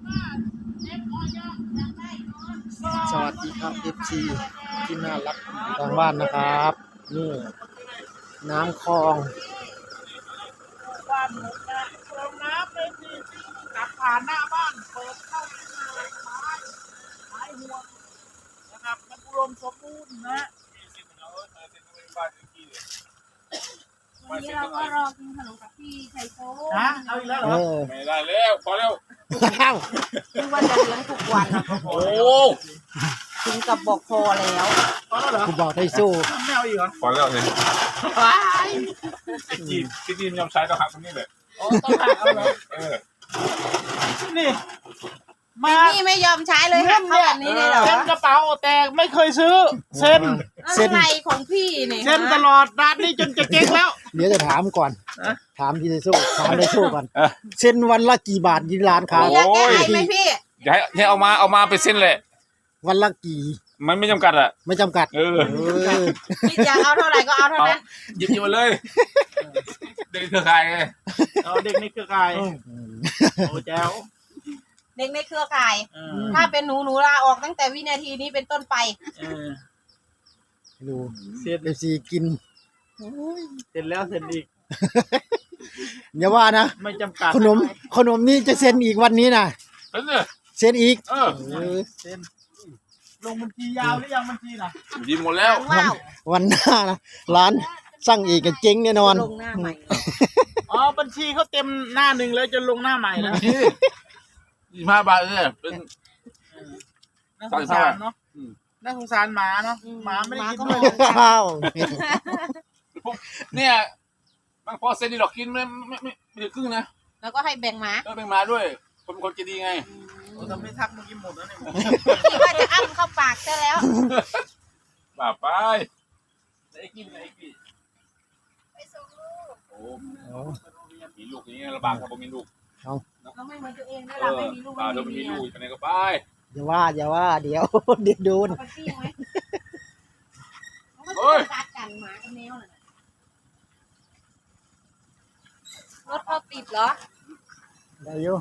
สวัสดีครับ FC ที่น่ารักทางบ้านนะครับนี่น้ำคลองบ้านผมนะเติมน้ำเลยที่ขับผ่านหน้าบ้านเปิดเข้าไปเลยไม้ห่วงนะครับมันอุดมสมบูรณ์นะวันนี้เราก็รอกินขนมกับพี่ไชโซ่นะเอาอีกแล้วเหรอไม่ได้แล้วพอแล้วอ้าวคือว่าจะเลี้ยงทุกวันโอ้ถึงกับบอกพอแล้วพอแล้วเหรอกูบอกให้สู้ไม่เอาอีกเหรอพอแล้วเนี่ยว้ายที่จีนยอมใช้ต้องหักตรงนี้เลยโอ้ต้องหักเอาเหรอ นี่มานี่ไม่ยอมใช้เลยหักเข้าแบบนี้เลยเหรอเซ็นกระเป๋าแต่ไม่เคยซื้อเซ็นอะไรของพี่เนี่ยเซ็นตลอดร้านนี้จนจะเจ๊งแล้วเดี๋ยวจะถามก่อนถามพี่ไทสู้ถามไทสู้ก่อนเส้นวันละกี่บาทยี่ร้านค้าอยากแก้ไขไหมพี่อย่าให้เอามาเป็นเส้นเลยวันละกี่มันไม่จำกัดอ่ะไม่จำกัดเออพี่อยากเอาเท่าไหร่ก็เอาเท่านั้นหยิบมาเลยเด็กเครือข่ายไงเอาเด็กในเครือข่ายโอ้แจ๋วเด็กในเครือข่ายเออถ้าเป็นหนูลาออกตั้งแต่วินาทีนี้เป็นต้นไปเออดูเสร็จ FC กินเสร็จแล้วเสร็จอีกอย่าว่านะไม่จำกัดขนมนี่จะเซ็นอีกวันนี้นะเป็นเนี่ยเซ็นอีกเออเออเซ็นลงบัญชียาวหรือยังบัญชีน่ะหยิบหมดแล้วว้าววันหน้านะร้านสั่งอีกกันเจ๊งแน่นอนลงหน้าใหม่อ๋อบัญชีเขาเต็มหน้าหนึ่งแล้วจะลงหน้าใหม่แล้ว 25 บาทเนี่ยเป็นน่าสงสารเนาะอืมน่าสงสารหมาเนาะหมาไม่ได้กินด้วยว้าวเนี่ยบางพอเส้นนี่หรอกกินไม่ถึงครึ่งนะแล้วก็ให้แบ่งหมาก็เป็นมาด้วยคนจะดีไงโอ้ทำไม่ทักเมื่อกี้หมดแล้วเนี่ยพี่ว่าจะอ้ำเข้าปากซะแล้วป่าไปไอ้กินไอ้กินไปส่งลูกโอ้มีลูกอย่างเงี้ยลำบากครับผมมีลูกเราไม่เหมือนตัวเองนะเอเราอไม่มีลูกป่าไม่เรามีไม่มีเมียลูกไปไหนก็ไปอย่าว่าเดี๋ยวเดี๋ยวโดนเอาไปปิ้งไหมมันก็จะกัดกันหมากับแมวน่ะรถเขาติดเหรอได้อยู่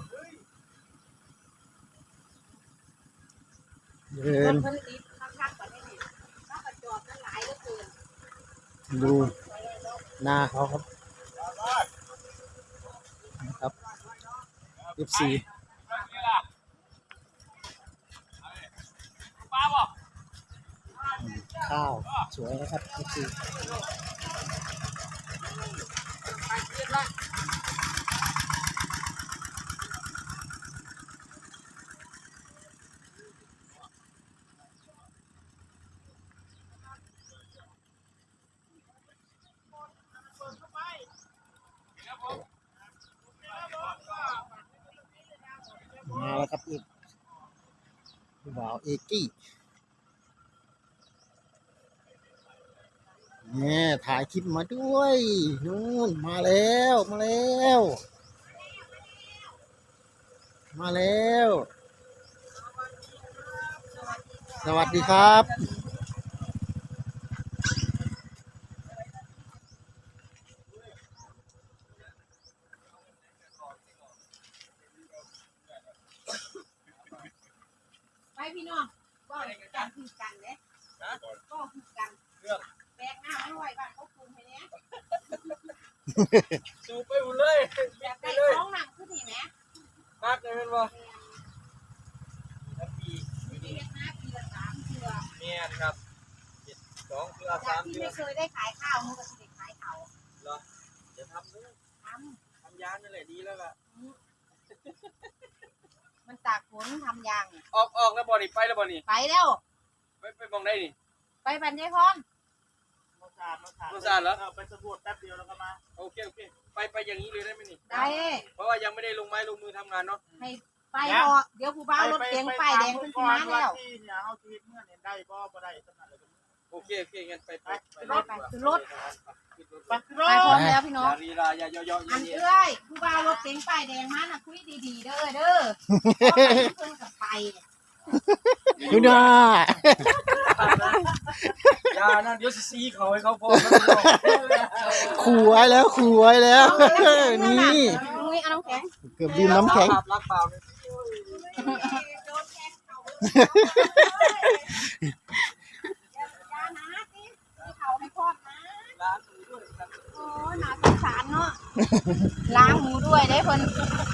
เดิรนถเขาติดคักๆกว่านี้นี่ถ้าประจอดกันหลายเหลือเกินดูหน้าเขาครับนะครับ FC ข้าวสวยนะครับ FC มาแล้วครับอีกพี่บ่าวเอกี้เนี่ยถ่ายคลิปมาด้วยนู่นมาแล้วมาแล้วมาแล้ว สวัสดีครับไปพี่น้องก็กันคือกันเนี่ยก็คือกันแบกหน้าไม่ไหวบ้านเขาคุมให้เนี้ยสูบไปหมดเลยอยากได้ท้องหนังขึ้นเห็นไหมนักเลยเป็นว่ามีเล็กนะปีละ3 เทื่อเมียนครับ2 เทื่อจาก 3 ที่เทื่อไม่เคยได้ขายข้าวมันก็จะได้ขายเขาจะทำเลยททำยานนั่นแหละดีแล้วล่ะำมันตากฝนทำยางเนี่ยออกแล้วบ่นี่ไปแล้วบ่นี่ไปแล้วไปมองได้นี่ไปบรรยายพรมาสานเหรอไปสำรวจแป๊บเดียวแล้วก็มาโอเคไปอย่างนี้เลยได้ไหมนี่ได้เพราะว่ายังไม่ได้ลงไม้ลงมือทำงานเนาะให้ไปพอเดี๋ยวผู้บ่าวรถเก๋งป้ายแดงขึ้นมาแล้วที่เนี่ยเฮาชีวิตเมื่อเนี่ยได้บ่ได้สำนักเลยโอเคงั้นไปขึ้นรถไปขึ้นรถไปไปพร้อมแล้วพี่น้องลีลาอย่าย่ออันเย็นเอ้ยผู้บ่าวรถเก๋งป้ายแดงมาน่ะคุยดีๆเด้อเด้อเพิ่นกับไปดูหน้าอย่านะเดี๋ยวสิซีเขาให้เขาพอขู่ไว้แล้วนี่เอาน้ำแข็งโอเคเกือบดื่มน้ำแข็งรักเปล่าเลยโดนแทงเขาเลยยานะสิเขาให้พ่อนะร้านหมูด้วยครับโอ้หนาสงสารเนาะล้างหมูด้วยได้เพิ่น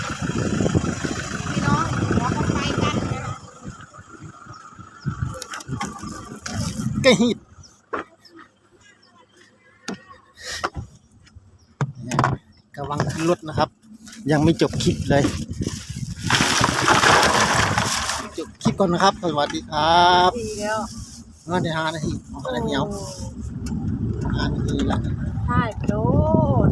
พี่น้องเราก็ไปกันนะกระหิดกำลังขึ้นรถนะครับ ยังไม่จบคลิปเลย จบคลิปก่อนนะครับ สวัสดีครับดีแล้วงั้นเดี๋ยว5 นาที5 นาทีเอา5 นาทีละใช่โดน